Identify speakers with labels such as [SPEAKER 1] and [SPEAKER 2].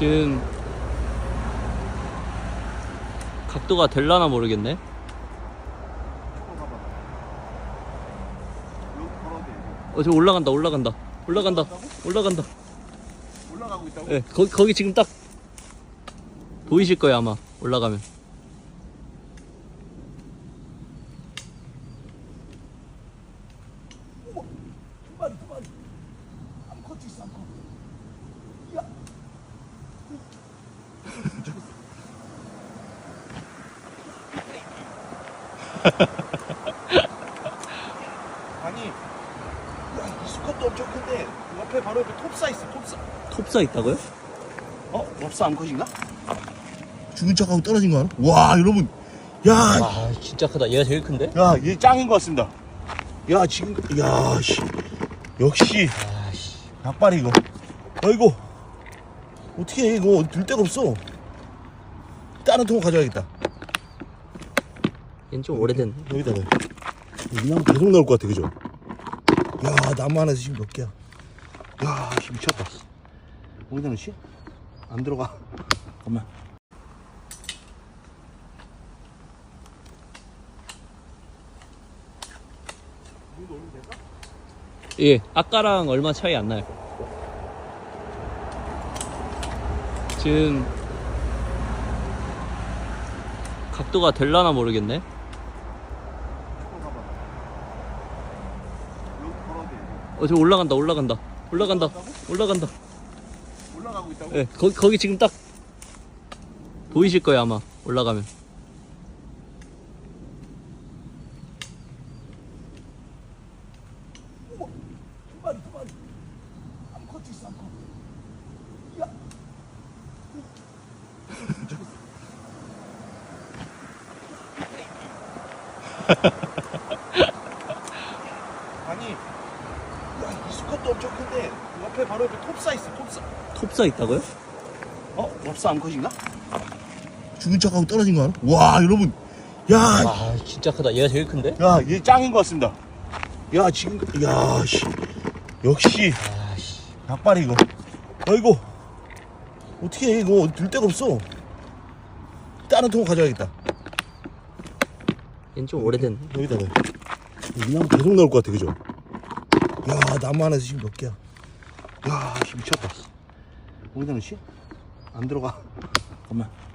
[SPEAKER 1] 지금 각도가 될라나 모르겠네. 저 올라간다. 올라가고 있다고? 네, 거기 지금 딱 보이실 거예요 아마. 올라가면.
[SPEAKER 2] 두 마리. 암컷 있어, 암컷. 야. 아니, 야, 이 수컷도 엄청 큰데 옆에 바로 옆에 톱사 있어, 톱사.
[SPEAKER 1] 톱사 있다고요?
[SPEAKER 2] 럽사 암컷인가? 죽은 척하고 떨어진 거 알아? 와, 여러분. 야,
[SPEAKER 1] 아 진짜 크다. 얘가 제일 큰데?
[SPEAKER 2] 야, 얘 짱인 것 같습니다. 야, 지금, 야, 씨. 역시,
[SPEAKER 1] 아씨.
[SPEAKER 2] 약발이 이거. 아이고. 어떻게 해, 이거. 들 데가 없어. 다른 통 가져야겠다.
[SPEAKER 1] 얘는 좀 오래됐네.
[SPEAKER 2] 여기다가. 이 나무 계속 나올 것 같아, 그죠? 야, 나무 안에서 지금 몇 개야. 야, 씨, 미쳤다. 어디다 넣지? 안 들어가. 잠깐만.
[SPEAKER 1] 예, 아까랑 얼마 차이 안 나요. 지금 각도가 될라나 모르겠네. 저 올라간다.
[SPEAKER 2] 올라가고 있다고?
[SPEAKER 1] 네, 거기 지금 딱 보이실 거예요 아마. 올라가면.
[SPEAKER 2] 두 마리. 암컷 있어, 암컷. 야. 아니, 야, 이 수컷도 엄청 큰데 옆에 바로 옆에 톱사 있어, 톱사.
[SPEAKER 1] 톱사 있다고요?
[SPEAKER 2] 럽사 암컷인가? 죽은 척하고 떨어진 거 알아? 와, 여러분. 야,
[SPEAKER 1] 아 진짜 크다. 얘가 제일 큰데?
[SPEAKER 2] 야, 얘 짱인 것 같습니다. 야, 지금, 야, 씨. 역시,
[SPEAKER 1] 아씨.
[SPEAKER 2] 약발이 이거. 아이고. 어떻게 해, 이거. 들 데가 없어. 다른 통 가져야겠다.
[SPEAKER 1] 얘는 좀 오래됐네.
[SPEAKER 2] 여기다가. 이 나무 계속 나올 것 같아, 그죠? 야, 나무 안에서 지금 몇 개야. 야, 씨, 미쳤다. 어디다 넣지? 안 들어가. 잠깐만.